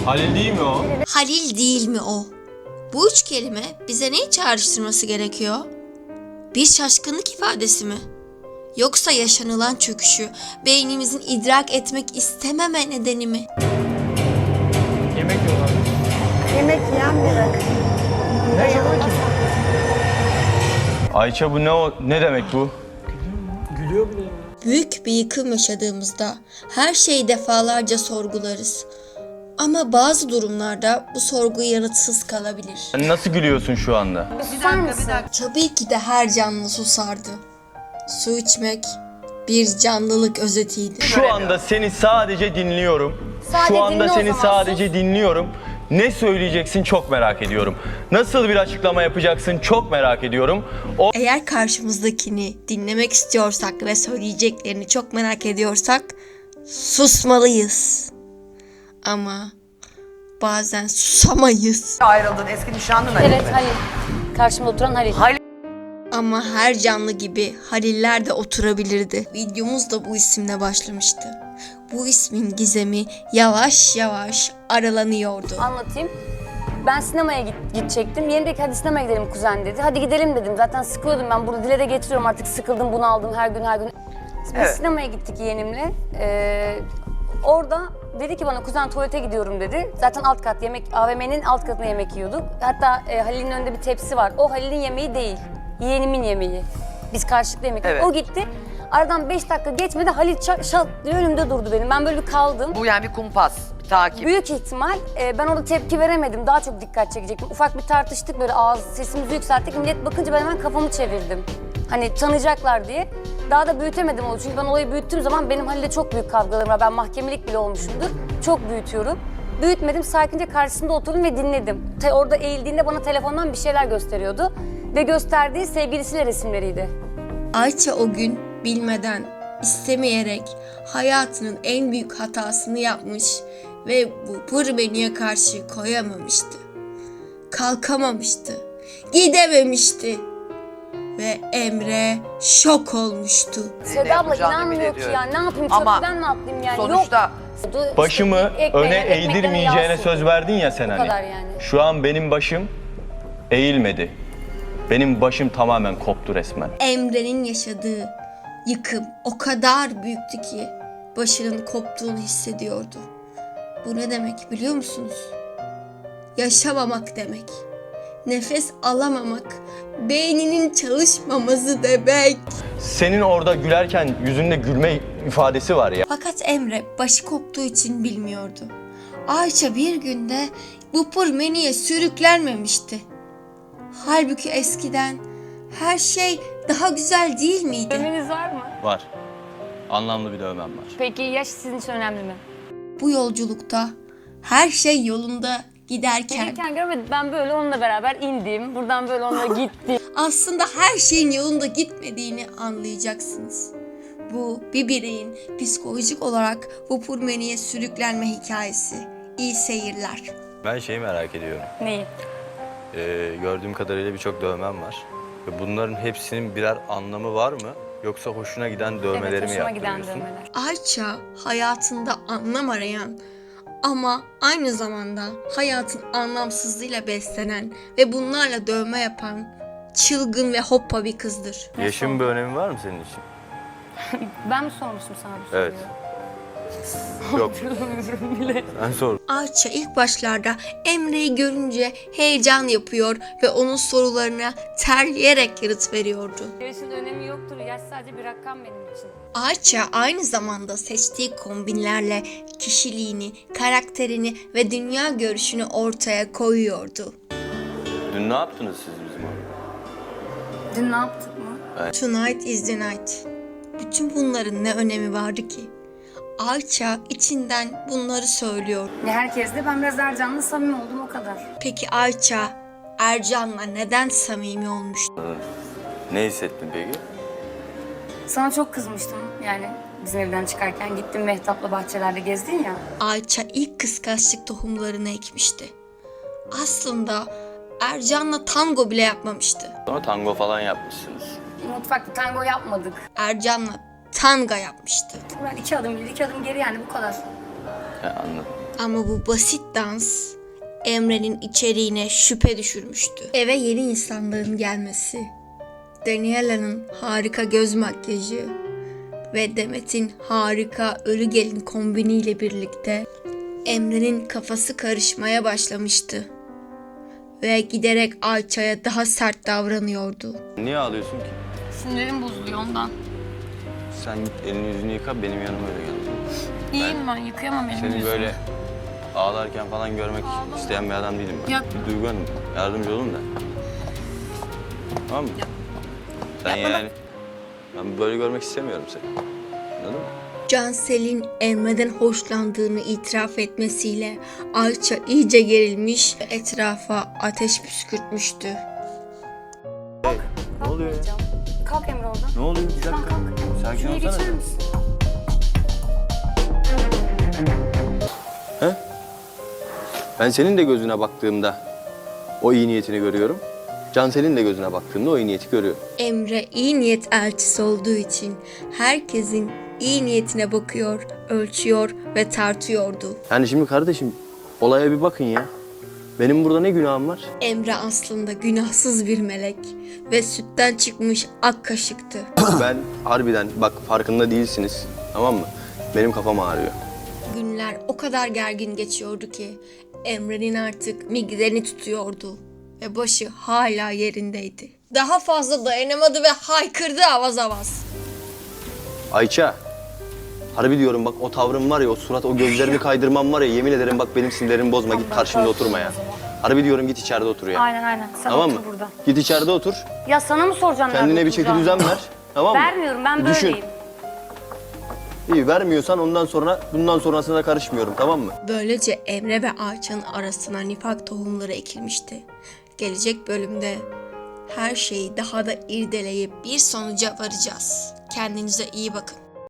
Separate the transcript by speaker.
Speaker 1: Halil değil mi o?
Speaker 2: Halil değil mi o? Bu üç kelime bize neyi çağrıştırması gerekiyor? Bir şaşkınlık ifadesi mi? Yoksa yaşanılan çöküşü beynimizin idrak etmek istememe nedeni mi?
Speaker 1: Yemek yiyorlar.
Speaker 3: Yemek yiyen biri.
Speaker 1: Ne yemek Ayça bu ne demek bu? Gülüyor bile ya.
Speaker 2: Büyük bir yıkım yaşadığımızda her şeyi defalarca sorgularız. Ama bazı durumlarda bu sorgu yanıtsız kalabilir.
Speaker 1: Sen nasıl gülüyorsun şu anda?
Speaker 3: Susar mısın?
Speaker 2: Tabii ki de her canlı susardı. Su içmek bir canlılık özetiydi.
Speaker 1: Şu anda seni sadece dinliyorum. Şu anda seni sadece dinliyorum. Ne söyleyeceksin çok merak ediyorum. Nasıl bir açıklama yapacaksın çok merak ediyorum.
Speaker 2: Eğer karşımızdakini dinlemek istiyorsak ve söyleyeceklerini çok merak ediyorsak susmalıyız. Ama bazen susamayız.
Speaker 4: Ayrıldın eski nişanlın Halil
Speaker 5: Evet
Speaker 4: mi?
Speaker 5: Halil. Karşımda oturan Halil.
Speaker 2: Ama her canlı gibi Haliller de oturabilirdi. Videomuz da bu isimle başlamıştı. Bu ismin gizemi yavaş yavaş aralanıyordu.
Speaker 5: Anlatayım. Ben sinemaya gidecektim. Yeni dedi ki hadi sinemaya gidelim kuzen dedi. Hadi gidelim dedim. Zaten sıkılıyordum ben. Burada dile de getiriyorum artık sıkıldım bunu aldım her gün. Biz
Speaker 4: Evet.
Speaker 5: sinemaya gittik yeğenimle. Orada dedi ki bana kuzen tuvalete gidiyorum dedi. Zaten alt kat AVM'nin alt katında yemek yiyorduk. Hatta Halil'in önünde bir tepsi var. O Halil'in yemeği değil. Yeğenimin yemeği. Biz karşılıklı yemek yedik.
Speaker 4: Evet.
Speaker 5: O gitti. Aradan 5 dakika geçmedi Halil şat diye önümde durdu benim. Ben böyle bir kaldım.
Speaker 4: Bu yani bir kumpas, bir takip.
Speaker 5: Büyük ihtimal ben orada tepki veremedim. Daha çok dikkat çekecektim. Ufak bir tartıştık böyle sesimizi yükselttik. Millet bakınca ben hemen kafamı çevirdim. Hani tanıyacaklar diye. Daha da büyütemedim onu. Çünkü ben olayı büyüttüğüm zaman benim Halil'le çok büyük kavgalarım var. Ben mahkemelik bile olmuşumdur. Çok büyütüyorum. Büyütmedim. Sakince karşısında oturdum ve dinledim. Orada eğildiğinde bana telefondan bir şeyler gösteriyordu. Ve gösterdiği sevgilisiyle resimleriydi.
Speaker 2: Ayça o gün bilmeden, istemeyerek hayatının en büyük hatasını yapmış ve bu pırmeniye karşı koyamamıştı. Kalkamamıştı, gidememişti ve Emre şok olmuştu.
Speaker 5: Seda abla
Speaker 4: yapacağını
Speaker 5: inanmıyor
Speaker 4: bile
Speaker 5: ki
Speaker 4: diyor.
Speaker 5: ya. Ne yapayım?
Speaker 4: Ama
Speaker 5: Köprüden mi atlayayım yani?
Speaker 4: Sonuçta
Speaker 5: Yok.
Speaker 1: Başımı öne eğdirmeyeceğine söz verdin ya sen
Speaker 5: Bu
Speaker 1: hani.
Speaker 5: kadar yani.
Speaker 1: Şu an benim başım eğilmedi. Benim başım tamamen koptu resmen.
Speaker 2: Emre'nin yaşadığı yıkım o kadar büyüktü ki başının koptuğunu hissediyordu. Bu ne demek biliyor musunuz? Yaşamamak demek. Nefes alamamak, beyninin çalışmaması demek.
Speaker 1: Senin orada gülerken yüzünde gülme ifadesi var ya.
Speaker 2: Fakat Emre başı koptuğu için bilmiyordu. Ayça bir günde bu pırmeniye sürüklenmemişti. Halbuki eskiden her şey daha güzel değil miydi?
Speaker 5: Dövmeniz var mı?
Speaker 1: Var. Anlamlı bir dövmem var.
Speaker 5: Peki yaş sizin için önemli mi?
Speaker 2: Bu yolculukta her şey yolunda giderken
Speaker 5: Gelirken görmedim. Ben böyle onunla beraber indim. Buradan böyle onunla gittim.
Speaker 2: aslında her şeyin yolunda gitmediğini anlayacaksınız. Bu bir bireyin psikolojik olarak bu pırmeniye sürüklenme hikayesi. İyi seyirler.
Speaker 1: Ben şeyi merak ediyorum.
Speaker 5: Neyi?
Speaker 1: Gördüğüm kadarıyla birçok dövmem var. Ve bunların hepsinin birer anlamı var mı? Yoksa hoşuna giden dövmeleri mi
Speaker 5: hoşuma giden
Speaker 1: yaptırıyorsun?
Speaker 5: dövmeler.
Speaker 2: Ayça hayatında anlam arayan ama aynı zamanda hayatın anlamsızlığıyla beslenen ve bunlarla dövme yapan çılgın ve hoppa bir kızdır.
Speaker 1: Yaşın bir önemi var mı senin için?
Speaker 5: Ben mi sormuştum sana bu soruyu?
Speaker 1: Evet. Yok.
Speaker 5: Hatırlamıyorum bile.
Speaker 1: Ben sor.
Speaker 2: Ayça ilk başlarda Emre'yi görünce heyecan yapıyor ve onun sorularına terleyerek yanıt veriyordu.
Speaker 5: Yaşın önemi yoktur. Yaş sadece bir rakam benim için.
Speaker 2: Ayça aynı zamanda seçtiği kombinlerle kişiliğini, karakterini ve dünya görüşünü ortaya koyuyordu.
Speaker 1: Dün ne yaptınız siz bizim orada?
Speaker 5: Dün ne yaptık mı?
Speaker 2: Tonight is the night. Bütün bunların ne önemi vardı ki? Ayça içinden bunları söylüyor.
Speaker 5: Herkesle ben biraz Ercan'la samimi oldum o kadar.
Speaker 2: Peki Ayça Ercan'la neden samimi olmuştu?
Speaker 1: Ne hissettin peki?
Speaker 5: Sana çok kızmıştım yani bizim evden çıkarken gittim Mehtap'la bahçelerde gezdin ya.
Speaker 2: Ayça ilk kıskançlık tohumlarını ekmişti. Aslında Ercan'la tango bile yapmamıştı.
Speaker 1: Sonra tango falan yapmışsınız.
Speaker 5: Mutfakta tango yapmadık.
Speaker 2: Ercan'la tanga yapmıştı.
Speaker 5: Ben 2 adım ileri 2 adım geri yani bu kadar.
Speaker 1: He, anladım.
Speaker 2: Ama bu basit dans Emre'nin içeriğine şüphe düşürmüştü. Eve yeni insanların gelmesi, Daniela'nın harika göz makyajı ve Demet'in harika ölü gelin kombiniyle birlikte Emre'nin kafası karışmaya başlamıştı. Ve giderek Ayça'ya daha sert davranıyordu.
Speaker 1: Niye ağlıyorsun ki?
Speaker 5: Sinirim bozuluyor ondan.
Speaker 1: Sen git elini yüzünü yıka, benim yanıma öyle gel.
Speaker 5: İyiyim ben yıkayamam elimi
Speaker 1: Seni
Speaker 5: yüzümü.
Speaker 1: böyle ağlarken falan görmek isteyen bir adam değilim ben.
Speaker 5: Yok.
Speaker 1: Bir Duygu Hanım, yardımcı olun da. Tamam mı? Sen yani... Ben böyle görmek istemiyorum seni. Anladın mı?
Speaker 2: Cansel'in Emre'den hoşlandığını itiraf etmesiyle Ayça iyice gerilmiş ve etrafa ateş püskürtmüştü.
Speaker 1: Ne oluyor ya?
Speaker 5: Kalk Emre oradan.
Speaker 1: Ne oluyor? Bir dakika. Sakin
Speaker 5: Şuraya
Speaker 1: olsana.
Speaker 5: geçer misin?
Speaker 1: He? Ben senin de gözüne baktığımda o iyi niyetini görüyorum. Cansel'in de gözüne baktığımda o iyi niyeti görüyorum.
Speaker 2: Emre iyi niyet elçisi olduğu için herkesin iyi niyetine bakıyor, ölçüyor ve tartıyordu.
Speaker 1: Yani şimdi kardeşim olaya bir bakın ya. Benim burada ne günahım var?
Speaker 2: Emre aslında günahsız bir melek ve sütten çıkmış ak kaşıktı.
Speaker 1: Ben harbiden bak farkında değilsiniz. Tamam mı? Benim kafam ağrıyor.
Speaker 2: Günler o kadar gergin geçiyordu ki Emre'nin artık migreni tutuyordu ve başı hala yerindeydi. Daha fazla dayanamadı ve haykırdı avaz avaz.
Speaker 1: Ayça. Harbi diyorum bak o tavrım var ya, o surat, o gözlerimi kaydırmam var ya, yemin ederim bak benim sinirlerimi bozma, git karşımda oturma ya. Harbi diyorum git içeride otur ya.
Speaker 5: Aynen. Sen
Speaker 1: Tamam
Speaker 5: otur
Speaker 1: mı?
Speaker 5: burada.
Speaker 1: Git içeride otur.
Speaker 5: Ya sana mı soracağım
Speaker 1: Kendine
Speaker 5: nerede
Speaker 1: bir çeki
Speaker 5: oturacağımı?
Speaker 1: düzen ver. Tamam mı?
Speaker 5: Vermiyorum ben
Speaker 1: Bir düşün.
Speaker 5: böyleyim.
Speaker 1: İyi vermiyorsan bundan sonrasına karışmıyorum, tamam mı?
Speaker 2: Böylece Emre ve Ayça'nın arasına nifak tohumları ekilmişti. Gelecek bölümde her şeyi daha da irdeleyip bir sonuca varacağız. Kendinize iyi bakın.